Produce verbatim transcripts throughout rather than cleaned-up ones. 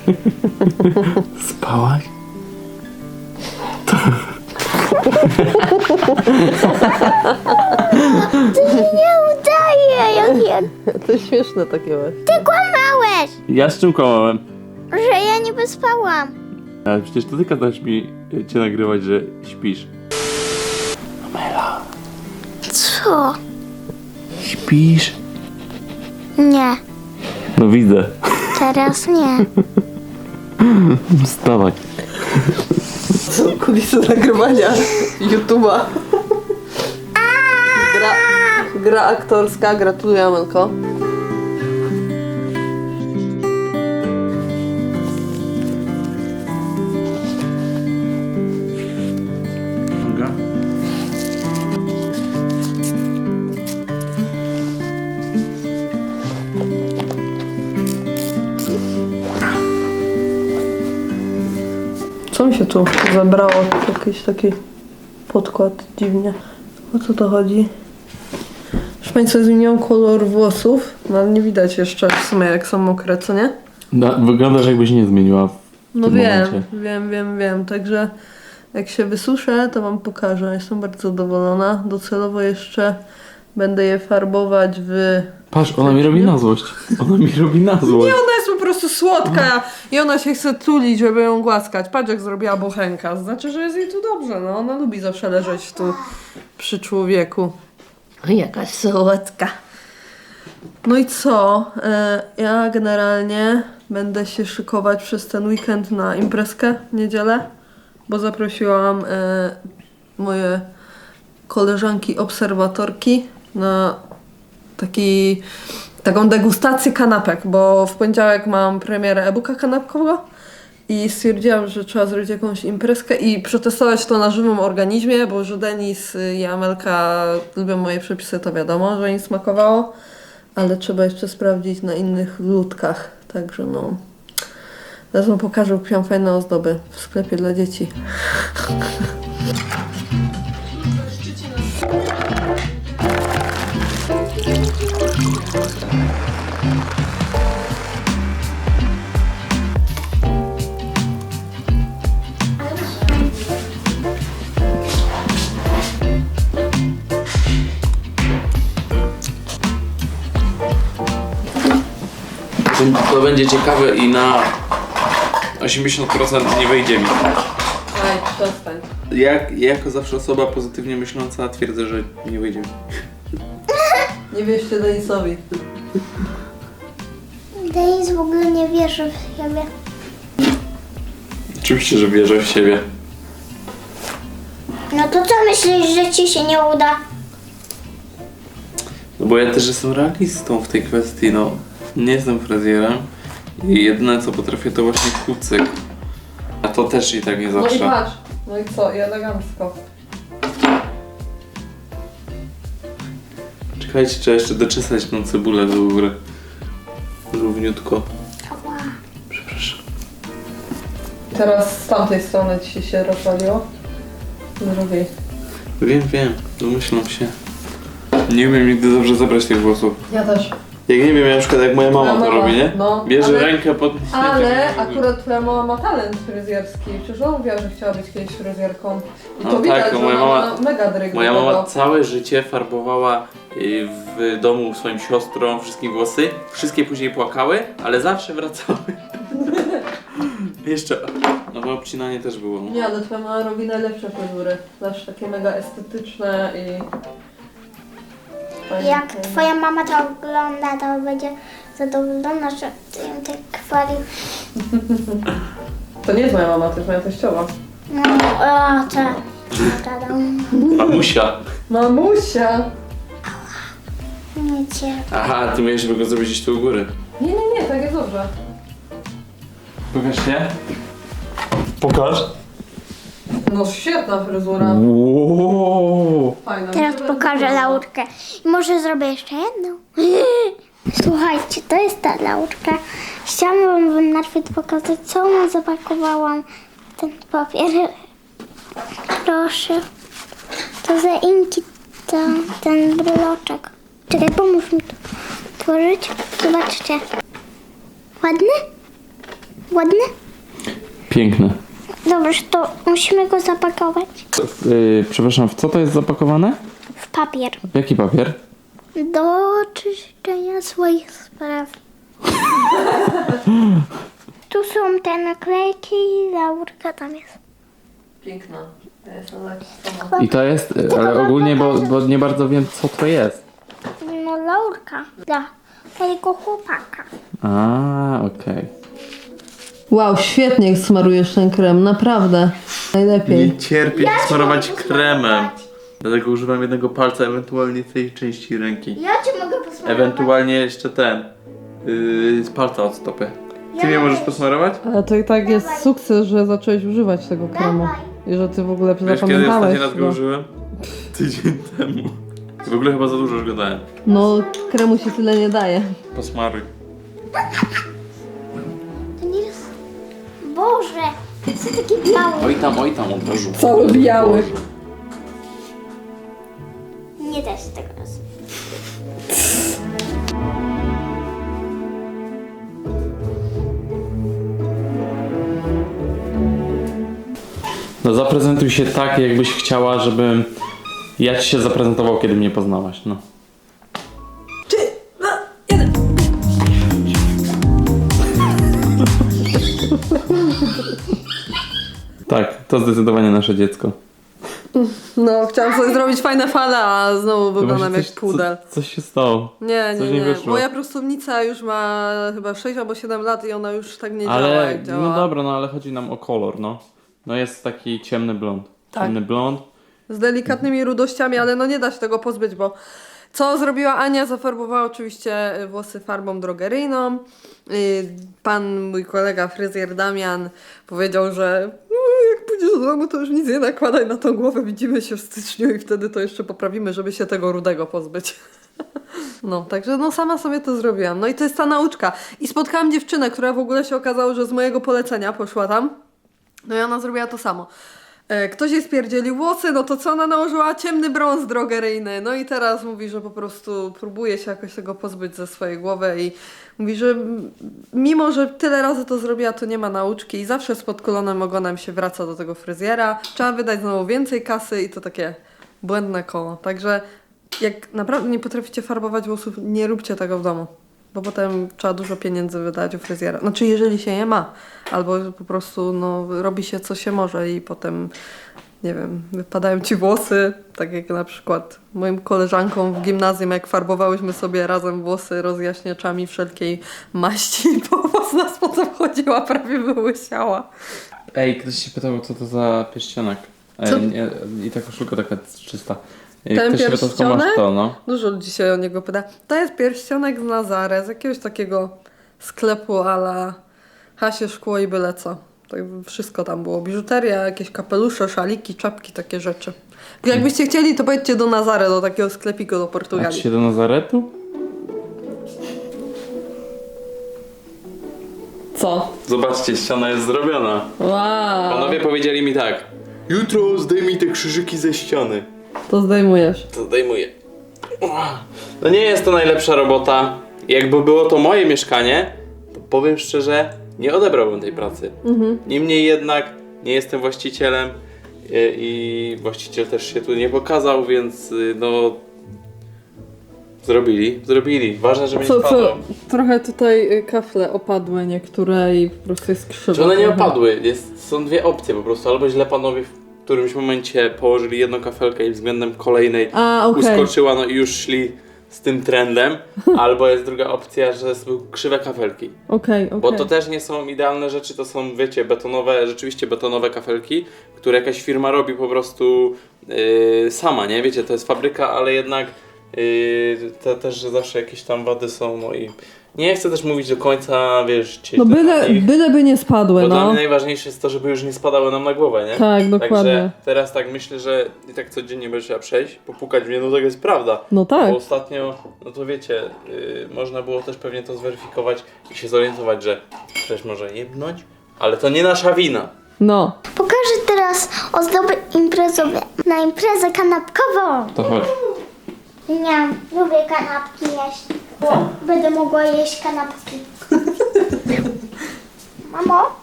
Spałaś? To się nie udaje, jak ja... To jest śmieszne takie właśnie. Ty kłamałeś, Ja z czym kłamałem? że ja niby spałam. Ale przecież to ty kazałeś mi cię nagrywać, że śpisz. Amela, Co? śpisz? Nie, No widzę. teraz nie. Wstawaj. Są kulisy nagrywania YouTube'a. Gra, gra aktorska, gratuluję Amelko. Mogę? Co mi się tu zebrało? Jakiś taki podkład dziwnie. O co to chodzi? Proszę Państwa, zmieniłam kolor włosów, no ale nie widać jeszcze w sumie jak są mokre, co nie? No, wyglądasz jakbyś nie zmieniła w No tym wiem, momencie. wiem, wiem, wiem. Także jak się wysuszę, to wam pokażę. Jestem bardzo zadowolona. Docelowo jeszcze będę je farbować w... Patrz, ona mi robi na złość. Ona mi robi na złość. Nie, ona jest po prostu słodka i ona się chce tulić, żeby ją głaskać. Patrz jak zrobiła bochenka. Znaczy, że jest jej tu dobrze. No, ona lubi zawsze leżeć tu przy człowieku. Jakaś słodka. No i co? E, ja generalnie będę się szykować przez ten weekend na imprezkę w niedzielę, bo zaprosiłam e, moje koleżanki obserwatorki na taki, taką degustację kanapek, bo w poniedziałek mam premierę e-booka kanapkowego i stwierdziłam, że trzeba zrobić jakąś imprezkę i przetestować to na żywym organizmie, bo że Denis i Amelka lubią moje przepisy, to wiadomo, że im smakowało, ale trzeba jeszcze sprawdzić na innych ludkach, także no. Zaraz wam pokażę, kupiłam fajne ozdoby w sklepie dla dzieci. To będzie ciekawe i na osiemdziesiąt procent nie wyjdzie mi. Aj, przestań. Jak, ja jako zawsze osoba pozytywnie myśląca twierdzę, że nie wyjdzie mi. Nie wierzcie Denisowi. Denis w ogóle nie wierzy w siebie. Oczywiście, że wierzę w siebie. No to co myślisz, że ci się nie uda? No bo ja też jestem realistą w tej kwestii, no. Nie jestem fryzjerem i jedyne co potrafię to właśnie kucyk. A to też i tak nie No i zawsze. patrz. No i co? I elegancko. Czekajcie, trzeba jeszcze doczesać tą cebulę do góry. Równiutko. Ała. Przepraszam. Teraz z tamtej strony ci się rozwaliło. Zrobię. Wiem, wiem, domyślam się. Nie umiem nigdy dobrze zabrać tych włosów. Ja też. Jak nie wiem, na przykład jak moja mama Moja to mama, robi, nie? no, Bierze ale- rękę pod... Ale akurat twoja mama ma talent fryzjerski. Przecież ona mówiła, że chciała być kiedyś fryzjerką. I to No widać, tak, że no moja ona mama- ma mega dryg Moja do mama tego. całe życie farbowała y, w domu swoim siostrą wszystkim włosy. Wszystkie później płakały, ale zawsze wracały. Jeszcze, no bo obcinanie też było. No. Nie, ale twoja mama robi najlepsze fryzury. Zawsze takie mega estetyczne i... fajne, Jak fajne. twoja mama to ogląda, to będzie zadowolona, że ty ją tak chwalił. To nie jest moja mama, to jest moja teściowa. No, o, to... Tadam. Mamusia. Mamusia! Nie cię. Aha, ty miałeś go zrobić gdzieś tu u góry. Nie, nie, nie, tak jest dobrze. Pokaż się. Pokaż. No świetna fryzura. Wow. Fajna. Teraz Mi się bardzo pokażę podoba. laurkę. I może zrobię jeszcze jedną. Słuchajcie, to jest ta laurka. Chciałam wam najpierw pokazać, co mu zapakowałam w ten papier. Proszę. To za inki to, ten bryloczek. Czekaj, pomóż mi to otworzyć. Zobaczcie. Ładny? Ładny? Piękne. Dobrze, to musimy go zapakować Yy, przepraszam, w co to jest zapakowane? w papier. W jaki papier? Do czyszczenia swoich spraw. Tu są te naklejki i laurka tam jest. Piękna. I to jest, yy, ale ogólnie, bo, bo nie bardzo wiem, co to jest. No laurka dla twojego chłopaka. A, okej. Wow, świetnie smarujesz ten krem, naprawdę. Najlepiej. Nie cierpię smarować kremem. Dlatego używam jednego palca, ewentualnie tej części ręki. Ja cię mogę posmarować. Ewentualnie jeszcze ten. Yy, z palca od stopy. Ty mnie możesz posmarować? Ale to i tak jest sukces, że zacząłeś używać tego kremu. I że ty w ogóle Wiesz, kiedy zapamiętałeś. ostatni raz go go. użyłem? Tydzień temu. W ogóle chyba za dużo już go dałem. No, kremu się tyle nie daje. Posmaruj. To nie jest... Boże, to jest taki biały. Oj tam, oj tam od razu. Cały biały. Nie da się tego razu. No zaprezentuj się tak, jakbyś chciała, żebym ja ci się zaprezentował, kiedy mnie poznałaś, no. Trzy, dwa, jeden. Tak, to zdecydowanie nasze dziecko. No, chciałam sobie zrobić fajne fale, a znowu To wyglądam właśnie jak coś, pudel. co, coś się stało. Nie, coś nie, nie nie. wyszło. Moja prostownica już ma chyba sześć albo siedem lat i ona już tak nie działa, Ale, jak działa. no dobra, no ale chodzi nam o kolor, no. No jest taki ciemny blond. Tak. Ciemny blond. Z delikatnymi rudościami, ale no nie da się tego pozbyć, bo co zrobiła Ania? Zafarbowała oczywiście włosy farbą drogeryjną. Y, Pan, mój kolega fryzjer Damian powiedział, że no, jak pójdziesz do domu, to już nic nie nakładaj na tą głowę, widzimy się w styczniu i wtedy to jeszcze poprawimy, żeby się tego rudego pozbyć. No, także no sama sobie to zrobiłam. No i to jest ta nauczka. I spotkałam dziewczynę, która w ogóle się okazało, że z mojego polecenia poszła tam. No i ona zrobiła to samo. E, Ktoś jej spierdzielił włosy, no to co ona nałożyła? Ciemny brąz drogeryjny. No i teraz mówi, że po prostu próbuje się jakoś tego pozbyć ze swojej głowy i mówi, że m- mimo, że tyle razy to zrobiła, to nie ma nauczki i zawsze z podkulonym ogonem się wraca do tego fryzjera. Trzeba wydać znowu więcej kasy i to takie błędne koło. Także jak naprawdę nie potraficie farbować włosów, nie róbcie tego w domu. Bo potem trzeba dużo pieniędzy wydać u fryzjera. Znaczy, jeżeli się je ma. Albo po prostu no, robi się co się może i potem, nie wiem, wypadają ci włosy. Tak jak na przykład moim koleżankom w gimnazjum, jak farbowałyśmy sobie razem włosy rozjaśniaczami wszelkiej maści, bo włos nas potem chodziła, prawie wyłysiała. Ej, ktoś się pytał, co to za pierścionek. Ej, Co? nie, I ta koszulka taka czysta. Ej, Ten ktoś się pytał, skąd masz pierścionek? to, no. Dużo ludzi się o niego pyta. To jest pierścionek z Nazare, z jakiegoś takiego sklepu a la Hasie Szkło i byle co. Tak wszystko tam było. Biżuteria, jakieś kapelusze, szaliki, czapki, takie rzeczy. Jakbyście chcieli, to pojedźcie do Nazare, do takiego sklepiku do A Portugalii. się do Nazaretu? Co? Zobaczcie, ściana jest zrobiona. Wow. Panowie powiedzieli mi tak. Jutro zdejmij te krzyżyki ze ściany. To zdejmujesz. To zdejmuję. No nie jest to najlepsza robota. Jakby było to moje mieszkanie, to powiem szczerze, nie odebrałbym tej pracy. Mhm. Niemniej jednak nie jestem właścicielem i, i właściciel też się tu nie pokazał, więc y, no... Zrobili, zrobili. Ważne, żeby nie Co, spadło. co? Trochę tutaj y, kafle opadły niektóre i po prostu jest krzywo. Czy one nie trochę. opadły? Jest, są dwie opcje po prostu. Albo źle panowie w którymś momencie położyli jedną kafelkę i względem kolejnej A, okej. uskoczyła, no i już szli z tym trendem. Albo jest druga opcja, że są krzywe kafelki. Okej, okej. Bo to też nie są idealne rzeczy, to są, wiecie, betonowe, rzeczywiście betonowe kafelki, które jakaś firma robi po prostu yy, sama, nie? Wiecie, to jest fabryka, ale jednak yy, te, też, że zawsze jakieś tam wady są, no i nie chcę też mówić do końca, wiesz, No cię byle, ich, byle by nie spadły, bo dla no. mnie najważniejsze jest to, żeby już nie spadały nam na głowę, nie? Tak, dokładnie. Także teraz tak myślę, że i tak codziennie będzie trzeba przejść, popukać w mnie, no to jest prawda. No tak. Bo ostatnio, no to wiecie, yy, można było też pewnie to zweryfikować i się zorientować, że ktoś może jebnąć, ale to nie nasza wina. No. Pokażę teraz ozdoby imprezowe na imprezę kanapkową. To chodź. Nie, lubię kanapki jeść, bo będę mogła jeść kanapki. Mamo,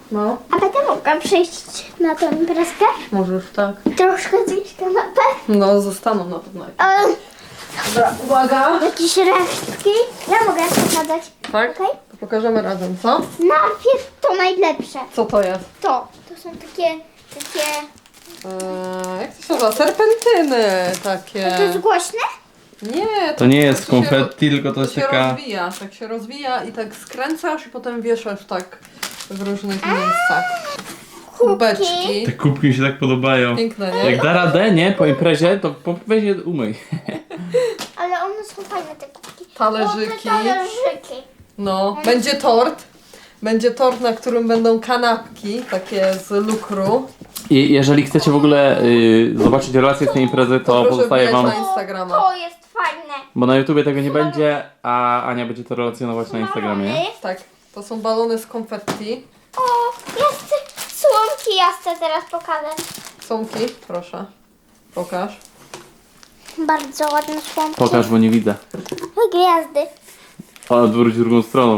No, A będę mogła przyjść na tę imprezkę? możesz, tak. Troszkę zjeść kanapę? No, zostaną na pewno. E, Dobra, uwaga. jakieś resztki? Ja mogę pokazać. Tak? Okej? To pokażemy razem, co? Najpierw to najlepsze. Co to jest? To. To są takie, takie... Eee, jak to się nazywa? Serpentyny takie. To jest głośne? Nie, To nie jest tak się ro- konfetti, tylko to To jest się taka... rozwija, tak się rozwija i tak skręcasz i potem wieszasz tak w różnych miejscach. Kubeczki. Te kubki mi się tak podobają. Piękne, nie? Jak da radę, nie? Po imprezie, to po- weź je umyj. Ale one są fajne, te kubki. Talerzyki. O, te talerzyki. No, będzie tort. Będzie tort, na którym będą kanapki, takie z lukru. I jeżeli chcecie w ogóle y, zobaczyć relację z tej imprezy, to proszę pozostaje wbijać wam... na Instagrama. To jest fajne. Bo na YouTubie tego nie będzie, a Ania będzie to relacjonować na Instagramie. Balony. Tak, to są balony z konfetti. O, ja chcę słomki, ja chcę teraz pokazać. Słomki, proszę. Pokaż. Bardzo ładne słomki. Pokaż, bo nie widzę. Gwiazdy. O, odwróć drugą stroną.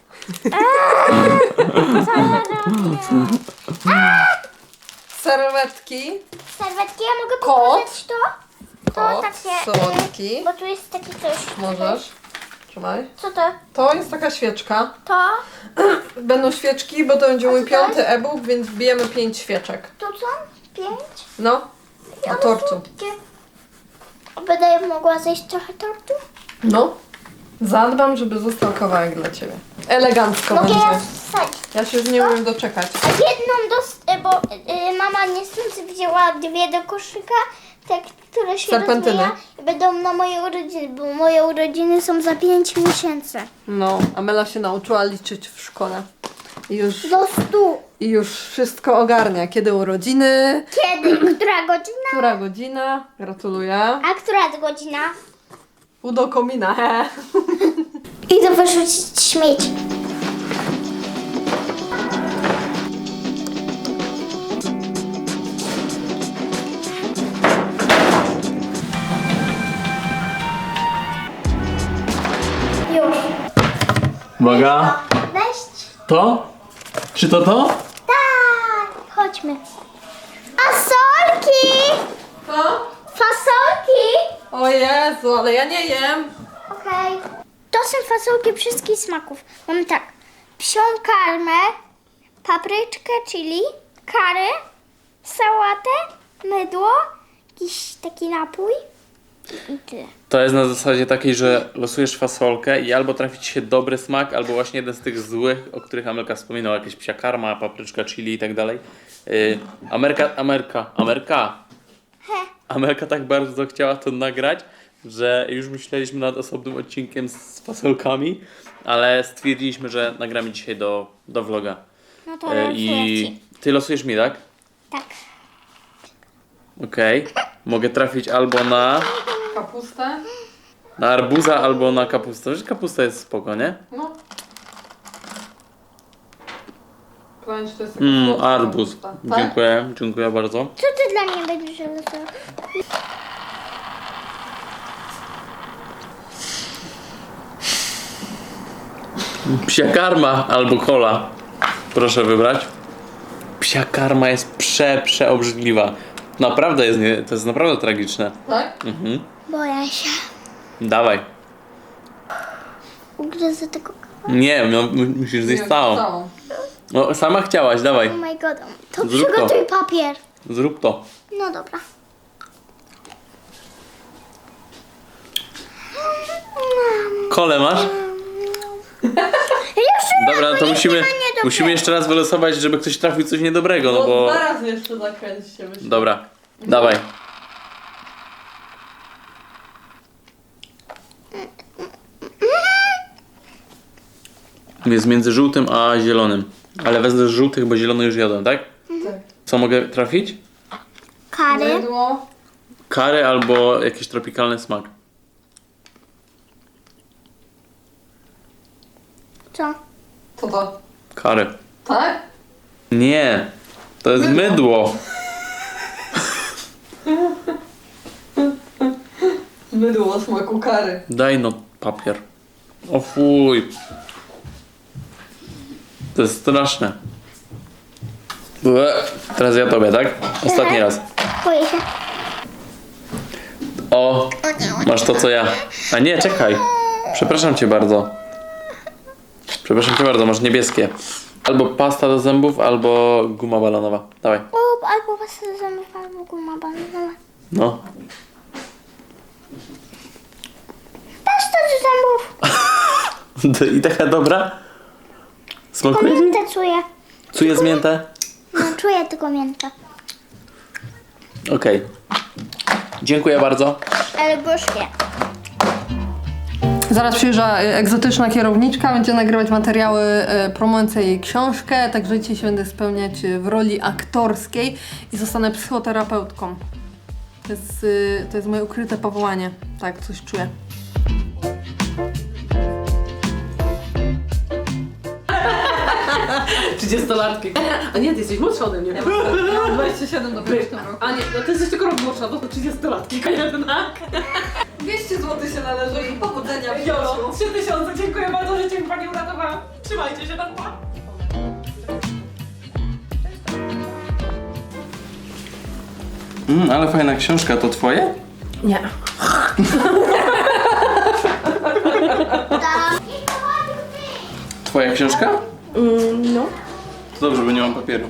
Serwetki. Serwetki, ja mogę Kot. pokazać to? To Kot, takie... słodki. y, Bo tu jest takie coś. Możesz. Trzymaj. Co to? To jest taka świeczka. To? Będą świeczki, bo to będzie mój co to jest? piąty e-book, więc wbijemy pięć świeczek. Tu są? Pięć? No, I na one tortu. słodkie. Będę mogła zjeść trochę tortu? No. Zadbam, żeby został kawałek dla Ciebie. Elegancko Mogę będzie. ja wsadzić. Ja się z nie umiem doczekać. A jedną do... y, bo y, mama niestety wzięła dwie do koszyka, te, które się Serpentyny. rozwija i będą na moje urodziny, bo moje urodziny są za pięć miesięcy. No, Amela się nauczyła liczyć w szkole. I już, Do stu. i już wszystko ogarnia. Kiedy urodziny, Kiedy? Która godzina? która godzina. Gratuluję. A która godzina? Pół do komina, he. Idę wyrzucić śmieci. Już. Uwaga. Weź. To? Czy to to? Tak. Chodźmy. Fasolki! Co? Fasolki! O Jezu, ale ja nie jem. Okej. To są fasolki wszystkich smaków. Mamy tak. Psią karmę, papryczkę, chili, kary, sałatę, mydło, jakiś taki napój i tyle. To jest na zasadzie takiej, że losujesz fasolkę i albo trafi ci się dobry smak, albo właśnie jeden z tych złych, o których Amelka wspominała, jakieś psia karma, papryczka, chili i tak dalej. Yy, Amerka, Amerka, Amerka. Amelka tak bardzo chciała to nagrać, że już myśleliśmy nad osobnym odcinkiem z fasolkami, ale stwierdziliśmy, że nagramy dzisiaj do, do vloga. No to Yy, losuję I ci. ty losujesz mi, tak? Tak. Okej. Mogę trafić albo na, Kapustę. na arbuza, albo na kapustę. Wiesz, kapusta jest spoko, nie? No. Powiem, że to jest Mm, słodka arbuz. kapusta. Tak? Dziękuję, dziękuję bardzo. Co ty dla mnie będziesz losował? Psia karma albo kola. Proszę wybrać. Psia karma jest prze, przeobrzydliwa. Naprawdę jest, nie, to jest naprawdę tragiczne. Tak? Mhm. Boję się. Dawaj. Ugryzę tego. Nie, no, mu- musisz zjeść Nie, całą. całą. No, sama chciałaś, dawaj. Oh my god. To Zrób to. przygotuj papier. Zrób to. No dobra. Kole masz? Jeszcze Dobra, no to musimy, nie dobre. musimy jeszcze raz wylosować, żeby ktoś trafił coś niedobrego, no No, bo... dwa razy jeszcze zakręćcie. myślę. Dobra, dawaj. Jest między żółtym a zielonym. Ale wezmę z żółtych, bo zielony już jadłem, tak? Tak. Co mogę trafić? Kary. Mydło. Kary albo jakiś tropikalny smak. Co? Co to? Kary. Tak? Nie, to jest mydło. Mydło o smaku kary. Daj no papier. O fuj. To jest straszne. Ue, teraz ja tobie, tak? Ostatni raz. Boję się. O, masz to co ja. A nie, czekaj. Przepraszam cię bardzo. Przepraszam cię bardzo, masz niebieskie. Albo pasta do zębów, albo guma balonowa. Dawaj. O, albo pasta do zębów, albo guma balonowa. No. Pasta do zębów. I taka dobra? Smakuje ci? Miętę czuję. Czujesz miętę? No, czuję tylko miętę. Okej. Dziękuję bardzo. Ale gorzkie. Zaraz przyjeżdża e, egzotyczna kierowniczka, będzie nagrywać materiały e, promujące jej książkę, także dzisiaj się będę spełniać e, w roli aktorskiej i zostanę psychoterapeutką. To jest, e, to jest moje ukryte powołanie. Tak, coś czuję. trzydziestolatki. A nie, ty jesteś młodsza ode mnie. Ja mam dwadzieścia siedem do pięć w tym roku. A nie, no ty jesteś tylko rok młodsza, bo to trzydziestolatki jednak. dwieście złotych się należy i powodzenia w Jolo, życiu. trzy tysiące, dziękuję bardzo, że cię pani uratowała. Trzymajcie się, tam. Mm, ale fajna książka, to twoje? Nie. Twoja książka? Mm, no. To dobrze, bo nie mam papieru.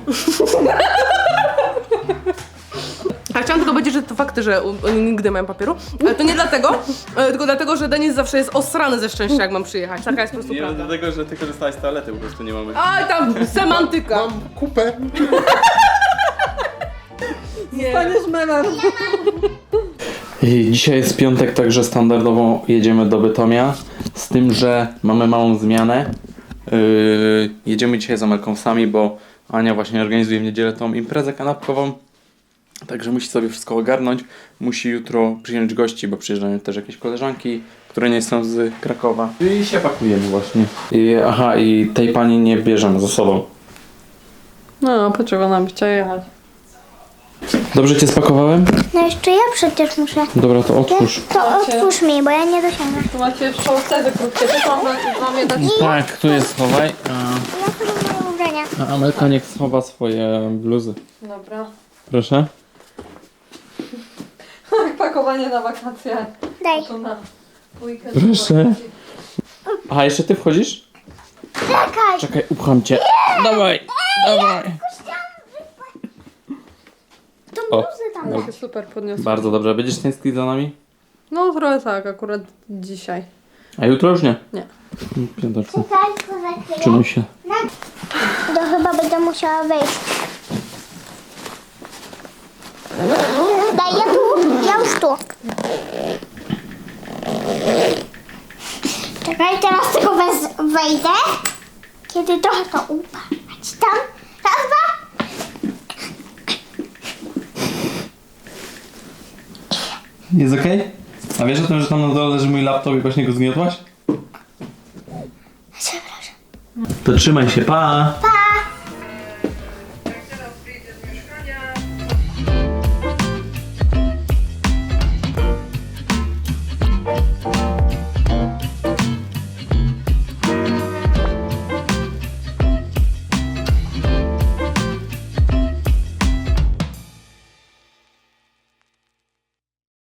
A chciałam tylko powiedzieć, że to fakty, że u- oni nigdy mają papieru, ale to nie dlatego, e, tylko dlatego, że Denis zawsze jest osrany ze szczęścia, jak mam przyjechać. Taka jest po prostu Nie prawda. dlatego, że ty korzystałaś z toalety, po prostu nie mamy. Aj, tam semantyka. Kupę. Staniesz memem. I dzisiaj jest piątek, także standardowo jedziemy do Bytomia. Z tym, że mamy małą zmianę. Yy, jedziemy dzisiaj z Amelką sami, bo Ania właśnie organizuje w niedzielę tą imprezę kanapkową. Także musi sobie wszystko ogarnąć. Musi jutro przyjąć gości, bo przyjeżdżają też jakieś koleżanki, które nie są z Krakowa. I się pakujemy właśnie. I, aha, i tej pani nie bierzemy ze sobą. No, poczego nam chciała jechać? Dobrze cię spakowałem? No jeszcze ja przecież muszę. Dobra, to otwórz. To otwórz mi, bo ja nie dosięgnę. Tu macie jeszcze ocezy krótkie, też mam, mam je dać. Tak, tu jest schowaj. A, Ja sobie moje ubrania. a Amelka niech schowa swoje bluzy. Dobra. Proszę. Pakowanie na wakacje. Daj. To na weekend. Proszę. Aha, jeszcze ty wchodzisz? Czekaj. Czekaj, upcham cię. Dawaj, dawaj. To O. bluzy tam Ja daj. się super podniosła. Bardzo dobrze. Będziesz tęsknić za nami? No trochę tak, akurat dzisiaj. A jutro już nie? Nie. Piąteczku. Czekaj, to za chwilę. Czynuj się. To chyba będę musiała wejść. Daj, ja tu, ja już tu. Czekaj, teraz tylko wez- wejdę. Kiedy trochę to upadać tam. Raz, dwa. Jest okej? A wiesz o tym, że tam na dole leży mój laptop i właśnie go zgniotłaś? Przepraszam. To trzymaj się, pa! Pa!